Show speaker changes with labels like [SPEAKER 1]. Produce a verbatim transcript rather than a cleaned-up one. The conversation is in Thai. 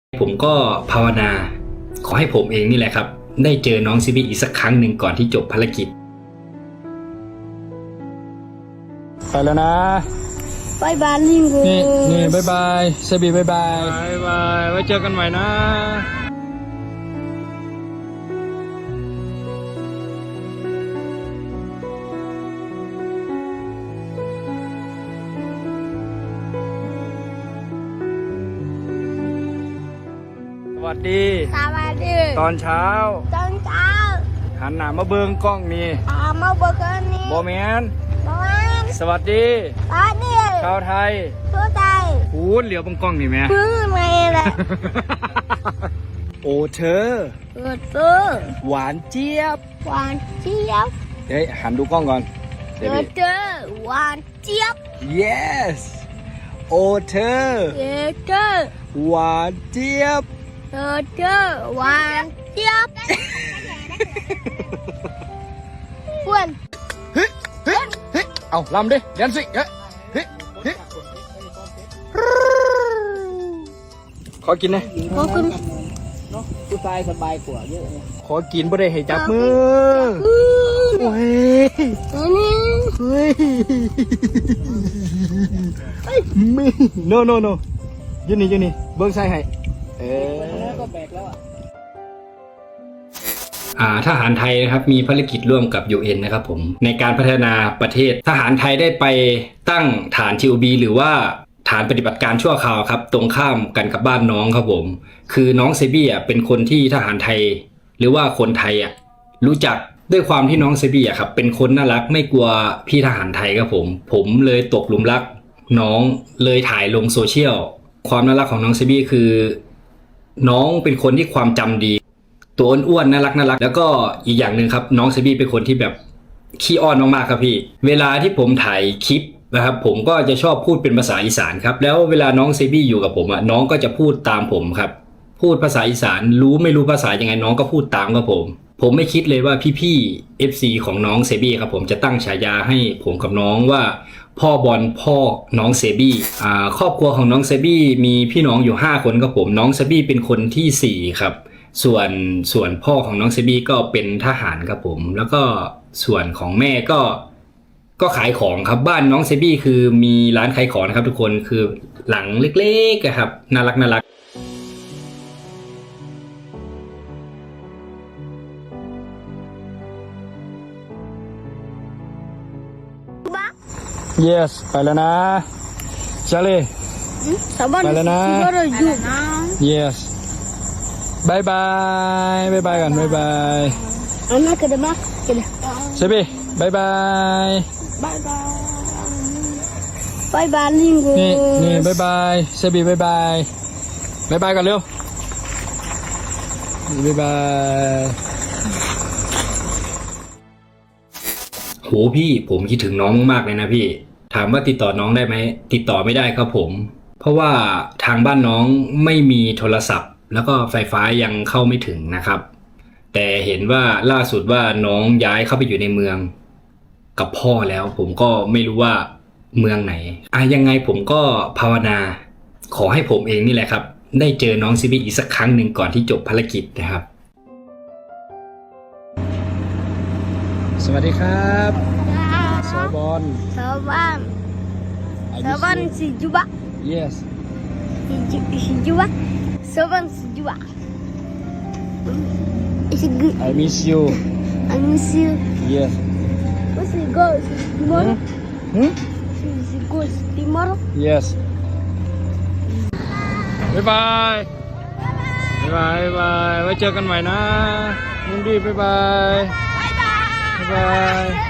[SPEAKER 1] ผมก็ภาวนาขอให้ผมเองนี่แหละครับได้เจอน้องซีบีอีกสักครั้งหนึ่งก่อนที่จบภารกิจ
[SPEAKER 2] ไปแล้วนะ
[SPEAKER 3] บายบายลิงกู
[SPEAKER 2] นี่นี่บายบายเซบีบายบาย
[SPEAKER 1] บายบายไว้เจอกันใหม่นะสวัสดี
[SPEAKER 3] สวัสดี
[SPEAKER 1] ตอนเช้า
[SPEAKER 3] ตอนเช้า
[SPEAKER 1] หันหน้ามาเบิ่งกล้องนี่
[SPEAKER 3] อ่ามาเบิ่งกันนี่
[SPEAKER 1] บ่แม่น
[SPEAKER 3] บ่แม่น
[SPEAKER 1] สวัสดี
[SPEAKER 3] สวัสดี
[SPEAKER 1] ชาวไทย
[SPEAKER 3] ชาวไทย
[SPEAKER 1] พูดเหลียวบังกล้องนี่แม่
[SPEAKER 3] พูดไม่ละ
[SPEAKER 1] โอ้เธอ
[SPEAKER 3] เออเธอ
[SPEAKER 1] หวานเจี๊ยบ
[SPEAKER 3] หวานเจี๊ยบ
[SPEAKER 1] เฮ้ยหันดูกล้องก่อน
[SPEAKER 3] เออเธอหวานเจี๊ยบ
[SPEAKER 1] yes โอ้เธอ
[SPEAKER 3] เออเธอ
[SPEAKER 1] หวานเจี๊ยบ
[SPEAKER 3] เออเธอหวานเจี๊ยบเพื่อน
[SPEAKER 1] เฮ้ยเฮ้ยเฮ้ยเอาลำดิแดนสิเฮ้ยเฮ้ยเฮ้ยขอกินนะ
[SPEAKER 3] ขอกิน
[SPEAKER 2] ผู้ชายสบายกว่าเยอะ
[SPEAKER 1] ขอกินบ่ได้ให้จับมือโอ้ยเฮ้ยมี no no no ยืนนี่ยืนนี่เบิ้งใส่ให้เออ
[SPEAKER 2] ก็แบกแล้วอ่ะ
[SPEAKER 1] อ่าทหารไทยนะครับมีภารกิจร่วมกับ ยู เอ็น นะครับผมในการพัฒนาประเทศทหารไทยได้ไปตั้งฐาน ที โอ บี หรือว่าฐานปฏิบัติการชั่วคราวครับตรงข้ามกันกับบ้านน้องครับผมคือน้องเซบี้อ่ะเป็นคนที่ทหารไทยหรือว่าคนไทยอ่ะรู้จักด้วยความที่น้องเซบี้อ่ะครับเป็นคนน่ารักไม่กลัวพี่ทหารไทยครับผมผมเลยตกหลุมรักน้องเลยถ่ายลงโซเชียลความน่ารักของน้องเซบี้คือน้องเป็นคนที่ความจำดีตัวอ้วนๆน่ารักน่ารักแล้วก็อีกอย่างหนึ่งครับน้องเซบี้เป็นคนที่แบบขี้อ้อนมากๆครับพี่เวลาที่ผมถ่ายคลิปนะครับผมก็จะชอบพูดเป็นภาษาอีสานครับแล้วเวลาน้องเซบี้อยู่กับผมอ่ะน้องก็จะพูดตามผมครับพูดภาษาอีสานรู้ไม่รู้ภาษายังไงน้องก็พูดตามครับผมผมไม่คิดเลยว่าพี่ๆ เอฟ ซี ของน้องเซบี้ครับผมจะตั้งฉายาให้ผมกับน้องว่าพ่อบอลพ่อน้องเซบี้อ่าครอบครัวของน้องเซบี้มีพี่น้องอยู่ห้าคนครับผมน้องเซบี้เป็นคนที่สี่ครับส่วนส่วนพ่อของน้องเซบี้ก็เป็นทหารครับผมแล้วก็ส่วนของแม่ก็ก็ขายของครับบ้านน้องเซบี้คือมีร้านขายของนะครับทุกคนคือหลังเล็กๆครับน่ารักน่ารัก
[SPEAKER 2] yes ไปแล้วนะชาลีไปแล้วนะ yes บายบายบายบายกันบายบาย
[SPEAKER 3] อันนั้นก็ได้มาก็ได้
[SPEAKER 2] เซบีบายบาย
[SPEAKER 3] บายบายบายบายลิงกู
[SPEAKER 2] นี่นี่บายบายเซบีบายบายบายบายกันเร็วบายบาย
[SPEAKER 1] โหพี่ผมคิดถึงน้องมากเลยนะพี่ถามว่าติดต่อน้องได้ไหมติดต่อไม่ได้ครับผมเพราะว่าทางบ้านน้องไม่มีโทรศัพท์แล้วก็ไฟฟ้ายังเข้าไม่ถึงนะครับแต่เห็นว่าล่าสุดว่าน้องย้ายเข้าไปอยู่ในเมืองกับพ่อแล้วผมก็ไม่รู้ว่าเมืองไหนอ่ะยังไงผมก็ภาวนาขอให้ผมเองนี่แหละครับได้เจอน้องซีบีอีกสักครั้งหนึ่งก่อนที่จบภารกิจนะครับ
[SPEAKER 2] สวัสดีครับสวบอน
[SPEAKER 3] สวบอนสวบอนสิจูบะ
[SPEAKER 2] yes
[SPEAKER 3] สิจูบะสวบอนสิจูบะ It's good
[SPEAKER 2] I miss you
[SPEAKER 3] I miss you
[SPEAKER 2] yes
[SPEAKER 3] What's it go tomorrow
[SPEAKER 2] hmm
[SPEAKER 3] Is it go tomorrow
[SPEAKER 2] yes บายบายบายบายไว้เจอกันใหม่นะนุ่นดีบายบายบายบาย